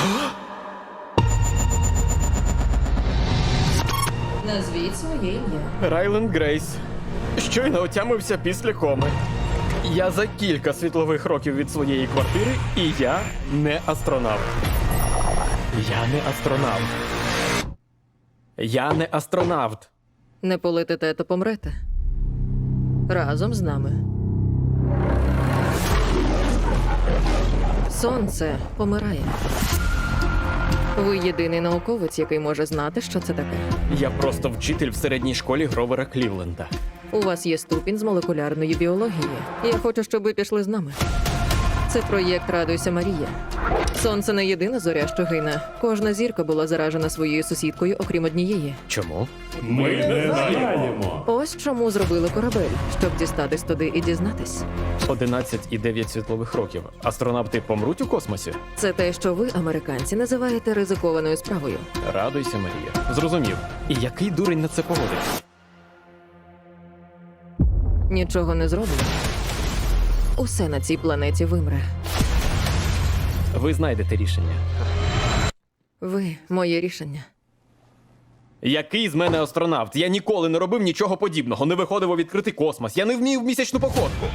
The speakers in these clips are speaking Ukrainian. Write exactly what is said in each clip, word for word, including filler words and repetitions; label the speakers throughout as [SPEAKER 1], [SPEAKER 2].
[SPEAKER 1] Назвіть своє ім'я.
[SPEAKER 2] Райленд Грейс. Щойно отямився після коми. Я за кілька світлових років від своєї квартири, і я не астронавт. Я не астронавт. Я не астронавт.
[SPEAKER 1] Не полетите, то помрете. Разом з нами. Сонце помирає. Ви єдиний науковець, який може знати, що це таке.
[SPEAKER 2] Я просто вчитель в середній школі Гровера Клівленда.
[SPEAKER 1] У вас є ступінь з молекулярної біології. Я хочу, щоб ви пішли з нами. Це проєкт «Радуйся, Марія». Сонце не єдина зоря, що гине. Кожна зірка була заражена своєю сусідкою, окрім однієї.
[SPEAKER 2] Чому?
[SPEAKER 3] Ми не знаємо.
[SPEAKER 1] Ось чому зробили корабель, щоб дістатись туди і дізнатись.
[SPEAKER 2] одинадцять і дев'ять світлових років. Астронавти помруть у космосі?
[SPEAKER 1] Це те, що ви, американці, називаєте ризикованою справою.
[SPEAKER 2] Радуйся, Марія. Зрозумів. І який дурень на це погодився?
[SPEAKER 1] Нічого не зроблено. Усе на цій планеті вимре.
[SPEAKER 2] Ви знайдете рішення.
[SPEAKER 1] Ви – моє рішення.
[SPEAKER 2] Який з мене астронавт? Я ніколи не робив нічого подібного, не виходив у відкритий космос. Я не вмів в місячну походку.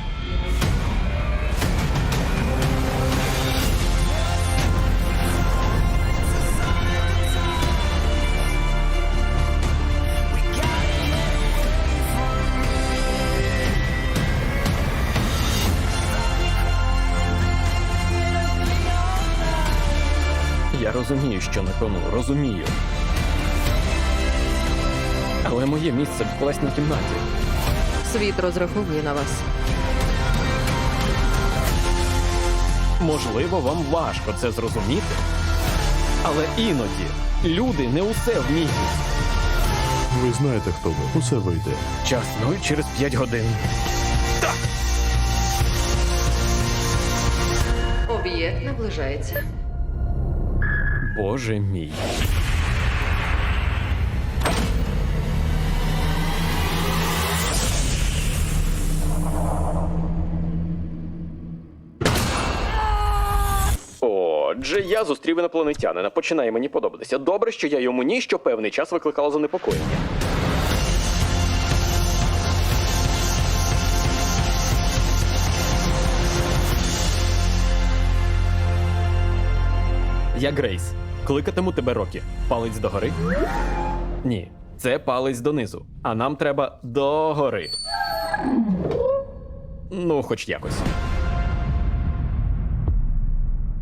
[SPEAKER 2] Я розумію, що на кону, розумію. Але моє місце в класній кімнаті.
[SPEAKER 1] Світ розраховує на вас.
[SPEAKER 2] Можливо, вам важко це зрозуміти, але іноді люди не усе вміють.
[SPEAKER 3] Ви знаєте, хто ви. Усе вийде.
[SPEAKER 2] Час нуль через п'ять годин.
[SPEAKER 1] Об'єкт наближається.
[SPEAKER 2] Боже мій. Отже, я зустрів інопланетянина. Починає мені подобатися. Добре, що я йому ні, що певний час викликало занепокоєння. Я Грейс. Кликатиму тебе Рокі. Палець догори? Ні, це палець донизу. А нам треба догори. Ну, хоч якось.